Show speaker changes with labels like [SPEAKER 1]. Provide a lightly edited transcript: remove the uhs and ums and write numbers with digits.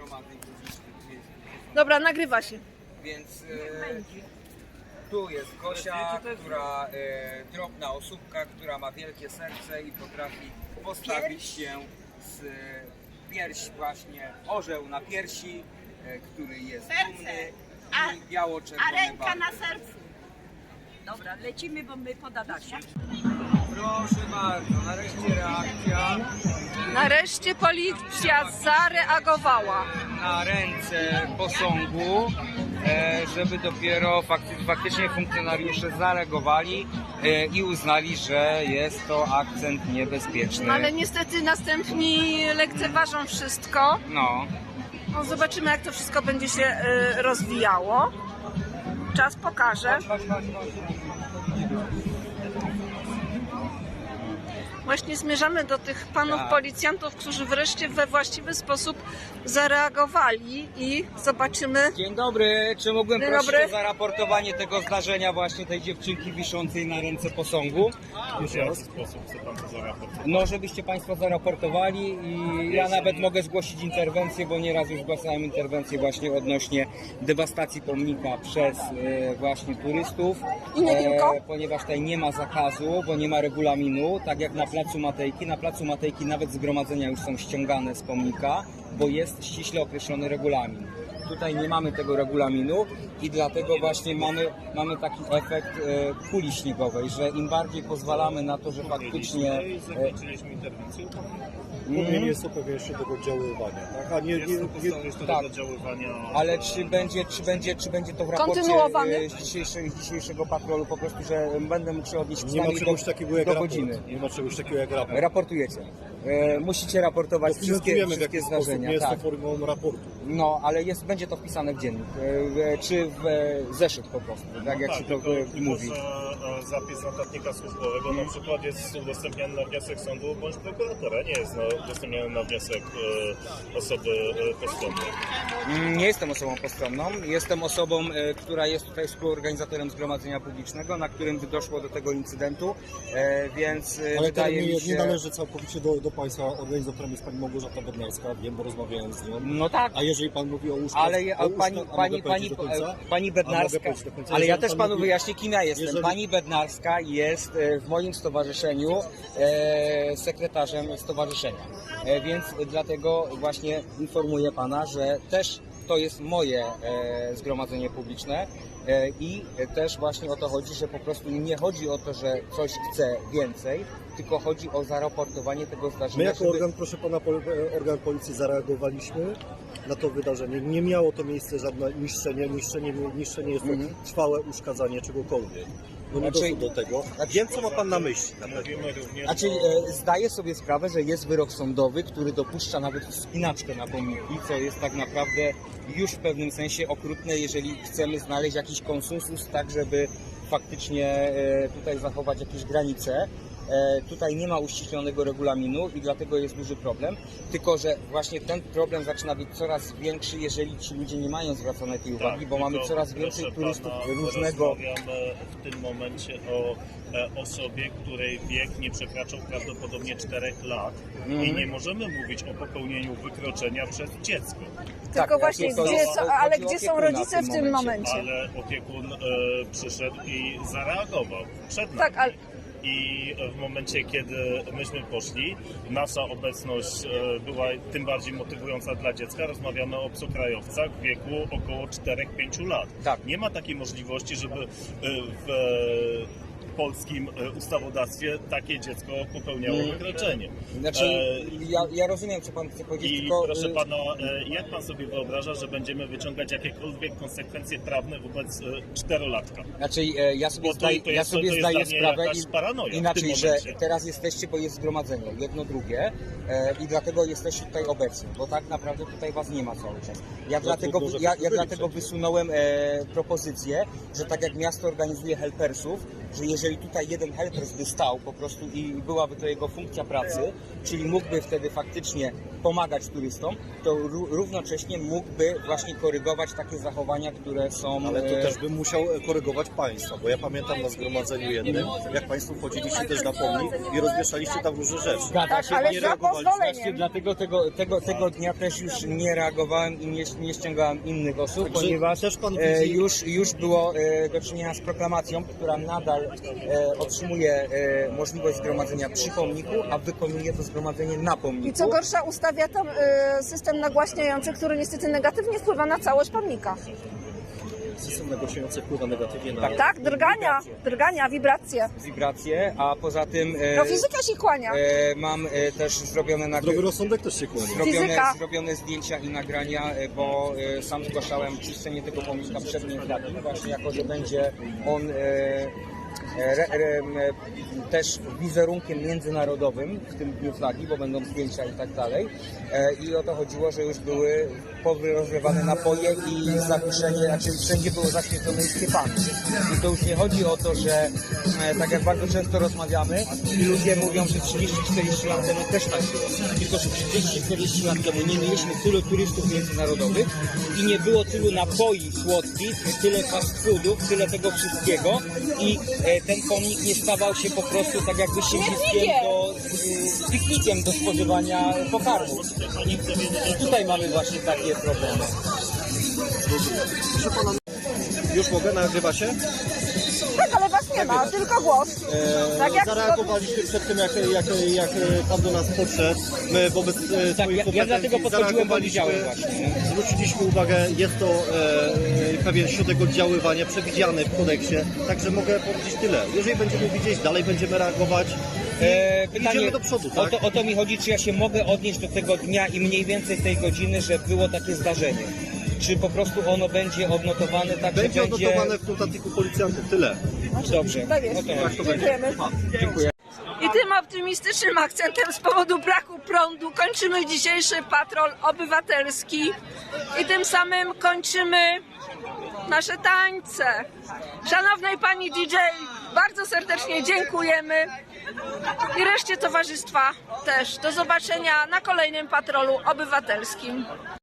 [SPEAKER 1] zgromadzeń publicznych.
[SPEAKER 2] Dobra, nagrywa się.
[SPEAKER 1] Więc tu jest Gosia, która drobna osóbka, która ma wielkie serce i potrafi postawić się z pierś właśnie, orzeł na piersi, który jest dumny i
[SPEAKER 3] a
[SPEAKER 1] biało-czerwony
[SPEAKER 3] ręka
[SPEAKER 1] barwy.
[SPEAKER 3] na sercu. Dobra, lecimy, bo my pod Adasią.
[SPEAKER 1] Proszę bardzo, nareszcie reakcja
[SPEAKER 2] Nareszcie policja zareagowała.
[SPEAKER 1] na ręce posągu, żeby dopiero faktycznie funkcjonariusze zareagowali i uznali, że jest to akcent niebezpieczny.
[SPEAKER 2] Ale niestety następni lekceważą wszystko.
[SPEAKER 1] No,
[SPEAKER 2] No, zobaczymy, jak to wszystko będzie się rozwijało. Czas pokaże. Właśnie zmierzamy do tych panów
[SPEAKER 1] Tak.
[SPEAKER 2] policjantów, którzy wreszcie we właściwy sposób zareagowali i zobaczymy.
[SPEAKER 1] dzień dobry, czy mógłbym
[SPEAKER 2] Dzień
[SPEAKER 1] prosić
[SPEAKER 2] dobry.
[SPEAKER 1] o zaraportowanie tego zdarzenia właśnie tej dziewczynki wiszącej na ręce posągu?
[SPEAKER 4] W jaki sposób chce pan to zaraportować?
[SPEAKER 1] No, żebyście Państwo zaraportowali i ja nawet mogę zgłosić interwencję, bo nieraz już zgłaszałem interwencję właśnie odnośnie dewastacji pomnika przez właśnie turystów.
[SPEAKER 2] I nie tylko?
[SPEAKER 1] Ponieważ tutaj nie ma zakazu, bo nie ma regulaminu, tak jak na Placu Matejki. Na Placu Matejki nawet zgromadzenia już są ściągane z pomnika, bo jest ściśle określony regulamin. Tutaj nie mamy tego regulaminu i dlatego właśnie mamy taki efekt kuli śniegowej, że im bardziej pozwalamy na to, że faktycznie...
[SPEAKER 4] Zakończyliśmy interwencję.
[SPEAKER 5] Powinien jest to pewnie jeszcze tego oddziaływania, tak? A nie,
[SPEAKER 4] Jest to podstawa jeszcze
[SPEAKER 1] tak.
[SPEAKER 4] do oddziaływania.
[SPEAKER 1] Ale czy będzie to w raporcie
[SPEAKER 2] Kontynuowany?
[SPEAKER 1] z dzisiejszego patrolu po prostu, że będę mógł się odnieść
[SPEAKER 5] nie ma
[SPEAKER 1] przynajmniej
[SPEAKER 5] czegoś takiego jak
[SPEAKER 1] do
[SPEAKER 5] raport.
[SPEAKER 1] godziny.
[SPEAKER 5] Nie ma czegoś takiego jak raport.
[SPEAKER 1] Raportujecie. Musicie raportować wszystkie
[SPEAKER 5] Dokumentujemy w jakiś sposób,
[SPEAKER 1] zdarzenia.
[SPEAKER 5] nie jest
[SPEAKER 1] Tak.
[SPEAKER 5] to formą raportu.
[SPEAKER 1] No, ale będzie to wpisane w dziennik, czy w zeszyt po prostu, tak jak się to mówi.
[SPEAKER 4] Zapis notatnika służbowego na przykład jest udostępniany na wniosek sądu bądź prokuratora, nie jest udostępniany na wniosek osoby postronnej.
[SPEAKER 1] Nie jestem osobą postronną, jestem osobą, która jest tutaj współorganizatorem zgromadzenia publicznego, na którym doszło do tego incydentu, więc
[SPEAKER 5] Ale
[SPEAKER 1] wydaje mi się...
[SPEAKER 5] nie należy całkowicie do Państwa. Organizatorem jest Pani Małgorzata Bednarska, wiem, bo rozmawiałem z nią.
[SPEAKER 1] No tak,
[SPEAKER 5] A jeżeli Pan mówi o łóżkach,
[SPEAKER 1] ale pani
[SPEAKER 5] A mogę
[SPEAKER 1] Bednarska,
[SPEAKER 5] powiedzieć do końca?
[SPEAKER 1] ale ja
[SPEAKER 5] Jeżeli
[SPEAKER 1] też
[SPEAKER 5] pan
[SPEAKER 1] panu
[SPEAKER 5] mówi-
[SPEAKER 1] wyjaśnię, kim ja jestem.
[SPEAKER 5] jeżeli-
[SPEAKER 1] Pani Bednarska jest w moim stowarzyszeniu sekretarzem stowarzyszenia, więc dlatego właśnie informuję pana, że też to jest moje zgromadzenie publiczne i też właśnie o to chodzi, że po prostu nie chodzi o to, że coś chce więcej, tylko chodzi o zaraportowanie tego zdarzenia.
[SPEAKER 5] My jako
[SPEAKER 1] żeby-
[SPEAKER 5] organ, proszę Pana, organ policji zareagowaliśmy na to wydarzenie. Nie miało to miejsce żadne niszczenie. Niszczenie jest to trwałe uszkadzanie czegokolwiek. No nie
[SPEAKER 1] Znaczy-
[SPEAKER 5] doszło do tego. Wiem, co ma Pan na myśli. Na pewno.
[SPEAKER 4] Mówimy również
[SPEAKER 1] Znaczy,
[SPEAKER 4] o...
[SPEAKER 1] zdaję sobie sprawę, że jest wyrok sądowy, który dopuszcza nawet wspinaczkę na pomniki, co jest tak naprawdę już w pewnym sensie okrutne, jeżeli chcemy znaleźć jakiś konsensus, tak żeby faktycznie tutaj zachować jakieś granice. Tutaj nie ma uściślonego regulaminu i dlatego jest duży problem, tylko że właśnie ten problem zaczyna być coraz większy, jeżeli ci ludzie nie mają zwracanej tej uwagi, bo mamy
[SPEAKER 4] tylko
[SPEAKER 1] coraz więcej
[SPEAKER 4] proszę
[SPEAKER 1] turystów
[SPEAKER 4] pana,
[SPEAKER 1] różnego.
[SPEAKER 4] Rozmawiamy w tym momencie o osobie, której wiek nie przekraczał prawdopodobnie 4 lat i nie możemy mówić o popełnieniu wykroczenia przez dziecko,
[SPEAKER 2] Tylko właśnie,
[SPEAKER 1] to
[SPEAKER 2] gdzie,
[SPEAKER 1] jest-
[SPEAKER 2] ale
[SPEAKER 1] chodzi o
[SPEAKER 2] gdzie są
[SPEAKER 1] opiekuna
[SPEAKER 2] rodzice w tym momencie?
[SPEAKER 4] ale opiekun przyszedł i zareagował przed nami.
[SPEAKER 2] Tak, ale
[SPEAKER 4] I w momencie, kiedy myśmy poszli, nasza obecność była tym bardziej motywująca dla dziecka. Rozmawiamy o obcokrajowcach w wieku około 4-5 lat.
[SPEAKER 1] Tak.
[SPEAKER 4] Nie ma takiej możliwości, żeby w polskim ustawodawstwie takie dziecko popełniało wykroczenie.
[SPEAKER 1] Znaczy, ja rozumiem, co pan chce powiedzieć,
[SPEAKER 4] I
[SPEAKER 1] tylko...
[SPEAKER 4] proszę pana, jak pan sobie wyobraża, że będziemy wyciągać jakiekolwiek konsekwencje prawne wobec 4-latka?
[SPEAKER 1] Znaczy, ja sobie
[SPEAKER 4] Bo to
[SPEAKER 1] zdaję,
[SPEAKER 4] jest-
[SPEAKER 1] ja sobie
[SPEAKER 4] to jest
[SPEAKER 1] zdaję
[SPEAKER 4] dla mnie
[SPEAKER 1] sprawę
[SPEAKER 4] jakaś paranoja w
[SPEAKER 1] inaczej,
[SPEAKER 4] tym
[SPEAKER 1] że
[SPEAKER 4] momencie.
[SPEAKER 1] teraz jesteście, bo jest zgromadzenie, jedno, drugie i dlatego jesteście tutaj obecni, bo tak naprawdę tutaj was nie ma cały czas. Ja dlatego,
[SPEAKER 5] trudno, że
[SPEAKER 1] ja
[SPEAKER 5] wszyscy byli
[SPEAKER 1] dlatego
[SPEAKER 5] przecież.
[SPEAKER 1] wysunąłem propozycję, że tak jak miasto organizuje helpersów, że jeżeli tutaj jeden helpers by stał po prostu i byłaby to jego funkcja pracy, czyli mógłby wtedy faktycznie pomagać turystom, to równocześnie mógłby właśnie korygować takie zachowania, które są...
[SPEAKER 5] Ale to też bym musiał korygować państwa, bo ja pamiętam na zgromadzeniu jednym, jak państwo chodziliście też na pomnik i rozwieszaliście tam różne rzeczy.
[SPEAKER 1] Zgadza się,
[SPEAKER 2] ale
[SPEAKER 1] nie
[SPEAKER 2] za
[SPEAKER 1] reagowaliśmy.
[SPEAKER 2] pozwoleniem.
[SPEAKER 1] Właśnie dlatego tego dnia też już nie reagowałem i nie ściągałem innych osób,
[SPEAKER 5] Także
[SPEAKER 1] ponieważ
[SPEAKER 5] też pan widzi-
[SPEAKER 1] już było do czynienia z proklamacją, która nadal otrzymuje możliwość zgromadzenia przy pomniku, a wykonuje to zgromadzenie na pomniku.
[SPEAKER 2] I co gorsza, ustawia tam system nagłaśniający, który niestety negatywnie wpływa na całość pomnika.
[SPEAKER 5] System negocjujący wpływa negatywnie na...
[SPEAKER 2] Tak, drgania, wibracje.
[SPEAKER 1] Wibracje, a poza tym
[SPEAKER 2] No fizyka się kłania.
[SPEAKER 1] mam też zrobione
[SPEAKER 5] Zdrowy rozsądek też się kłania.
[SPEAKER 2] Fizyka.
[SPEAKER 1] zrobione zdjęcia i nagrania, bo sam zgłaszałem czyszczenie tego pomnika przed dniem flagi, właśnie jako, że będzie on też wizerunkiem międzynarodowym w tym dniu flagi, bo będą zdjęcia i tak dalej. I o to chodziło, że już były rozlewane napoje i zawieszenie, znaczy wszędzie było zaświecone skiepami. I to już nie chodzi o to, że tak jak bardzo często rozmawiamy i ludzie mówią, że 30-40 lat temu też tak było. Tylko, że 30-40 lat temu nie mieliśmy tylu turystów międzynarodowych i nie było tylu napoi słodkich, tyle fast foodów, tyle tego wszystkiego i ten pomnik nie stawał się po prostu tak jakby piknikiem do spożywania pokarmu. I tutaj mamy właśnie takie problemy.
[SPEAKER 5] Już mogę? Nagrywa się?
[SPEAKER 2] Tak, ale was nie ma, tylko głos. Tak jak
[SPEAKER 5] Zareagowaliśmy przed tym, jak pan do nas podszedł. My wobec swoich kompetencji
[SPEAKER 1] ja dlatego podchodziłem, bo widziałem
[SPEAKER 5] zareagowaliśmy,
[SPEAKER 1] właśnie.
[SPEAKER 5] zwróciliśmy uwagę, jest to pewien środek oddziaływania przewidziany w kodeksie, także mogę powiedzieć tyle. Jeżeli będziemy widzieć, dalej będziemy reagować. Idziemy do przodu, tak?
[SPEAKER 1] O to mi chodzi, czy ja się mogę odnieść do tego dnia i mniej więcej tej godziny, że było takie zdarzenie. Czy po prostu ono będzie odnotowane tak,
[SPEAKER 5] Będzie
[SPEAKER 1] że będzie...
[SPEAKER 5] odnotowane w notatniku policjantów, tyle.
[SPEAKER 1] Dobrze.
[SPEAKER 2] Tak jest.
[SPEAKER 1] No to dobrze.
[SPEAKER 2] Dziękujemy.
[SPEAKER 1] Dziękuję.
[SPEAKER 2] I tym optymistycznym akcentem z powodu braku prądu kończymy dzisiejszy patrol obywatelski i tym samym kończymy nasze tańce. Szanownej pani DJ, bardzo serdecznie dziękujemy i reszcie towarzystwa też. Do zobaczenia na kolejnym patrolu obywatelskim.